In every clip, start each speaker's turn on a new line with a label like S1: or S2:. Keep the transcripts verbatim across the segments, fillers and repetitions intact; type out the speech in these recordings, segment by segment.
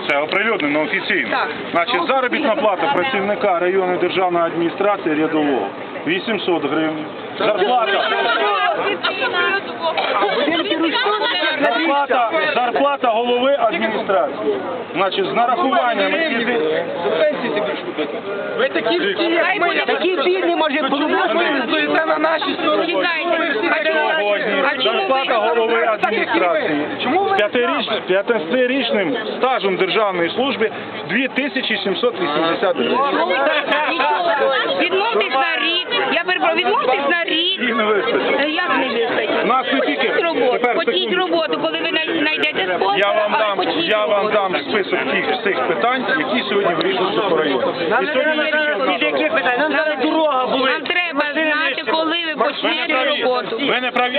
S1: Це оприлюднено офіційно.
S2: Так.
S1: Значить, заробітна плата працівника районної державної адміністрації рядового вісімсот гривень. Зарплата. Зарплата, зарплата голови адміністрації. Значить, з нарахуванням.
S3: Ви такі всі, як ми, такі бідні, може, ви стоїте на нашій стороні.
S1: Зарплата голови адміністрації. З п'ятиріч- п'ятнадцятирічним стажем державної служби дві тисячі сімсот вісімдесят гривень.
S2: Відмовтесь на рік. Я перепрошую, відмовтесь на рік.
S1: Їх не вистачить.
S2: Е, Як не вистачить?
S1: Нас не тільки-
S2: Почніть роботу,
S1: тепер,
S2: почніть
S1: секундочку.
S2: роботу, коли ви най- знайдете спосіб,
S1: Я вам
S2: але
S1: дам,
S2: почніть
S1: я вам
S2: роботу.
S1: дам список тих всіх питань, які сьогодні вирішуються по району. І сьогодні не тільки в нас.
S3: Нам зараз дорога були.
S2: Нам треба знати, коли ви
S1: Ви не
S2: почнете
S1: праві.
S2: роботу.
S1: Ви не праві.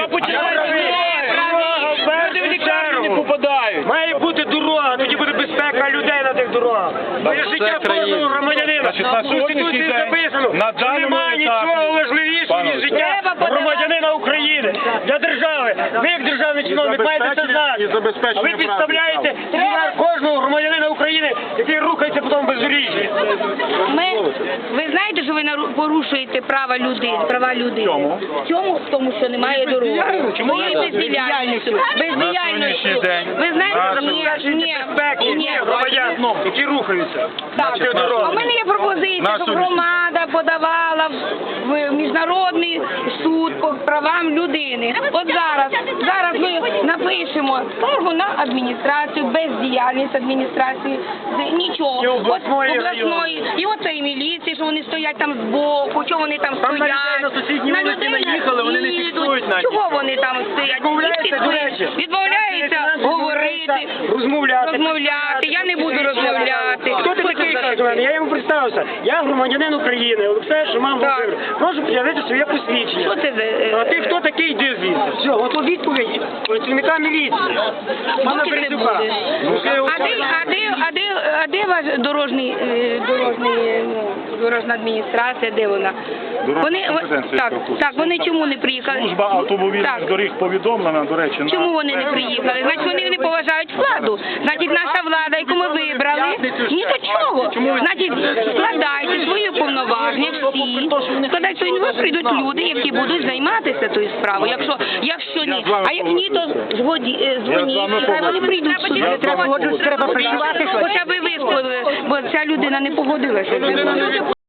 S3: Не попадають. Має бути дорога, тоді буде безпека людей на тих дорогах. Бо є життя кожного громадянина.
S1: Значить, на
S3: В
S1: сьогоднішній
S3: Конституції
S1: день,
S3: записано,
S1: на
S3: що
S1: даному
S3: немає
S1: етапі,
S3: нічого важливішого,
S1: пане
S3: ніж життя
S2: Треба подавати-
S3: громадянина України для держави. Ви як державний чиновник маєте це
S1: забезпечення- і
S3: знати.
S1: забезпечення
S3: А ви
S1: прав
S3: підставляєте
S1: держави.
S3: тягар кожного громадянина України, який рухається по тому бездоріжжі.
S2: Ми, ви знаєте, що ви нару- порушуєте права людини, права людини?
S1: Чому?
S2: В чому? В тому, що немає дороги.
S3: Чому?
S2: Своєю бездіяльністю. Бездіяльністю.
S1: сьогоднішній день
S2: Ви знаєте,
S1: на
S2: ні, ні,
S3: Безпеки
S2: ні.
S3: громадян, які рухаються.
S2: Так.
S3: на тих
S2: А в
S3: дорогах.
S2: мене є пропозиція,
S1: На
S2: щоб
S1: сьогоднішній
S2: громада подавала в міжнародний суд по правам людини. От зараз, зараз ми напишемо скаргу на адміністрацію, бездіяльність адміністрації, з- нічого.
S3: І
S2: От
S3: обласної,
S2: обласної, і оцеї міліції, що вони стоять там збоку, чого вони там
S3: Там на
S2: стоять.
S3: людей на сусідній вулиці
S2: людей
S3: наїхали, вони не
S2: їдуть.
S3: фіксують навіть.
S2: Чого вони там стоять?
S3: Відмовляються,
S2: Відмовляються,
S3: до речі.
S2: відмовляються говорити,
S3: Розмовляти.
S2: розмовляти. Я не буду розмовляти.
S3: Хто ти такий, каже до мене? Я йому представився. Я громадянин України, Олексій Шуман
S2: Так.
S3: Володимир. Прошу пред'явити своє посвідчення.
S2: Що це за... е,
S3: А ти хто такий, йди звідси. Все, от відповідь працівника міліції. Пана
S2: Доки це
S3: Березюка.
S2: буде? А де, а де, а де, а де ваш дорожній, е, дорожній, ну, дорожна адміністрація, де вона?
S1: Дорожня
S2: Вони,
S1: компетенція,
S2: так,
S1: яка в
S2: так, вони чому не приїхали?
S1: Служба автомобільних
S2: Так.
S1: доріг повідомлена, до речі, на...
S2: Чому вони не приїхали? Значить, вони не поважають владу. Значить, наша влада, яку ми вибрали, ні до чого. Значить, складайте свої повноваження всі, складайте свої, ви прийдуть люди, які будуть займатися тою справою. Якщо, якщо ні, а як ні, то згоді, е, дзвоніть, хай вони прийдуть сюди.
S1: Я з вами погоджуюсь.
S2: Треба працювати, хоча б ви висловили, бо ця людина не погодилася.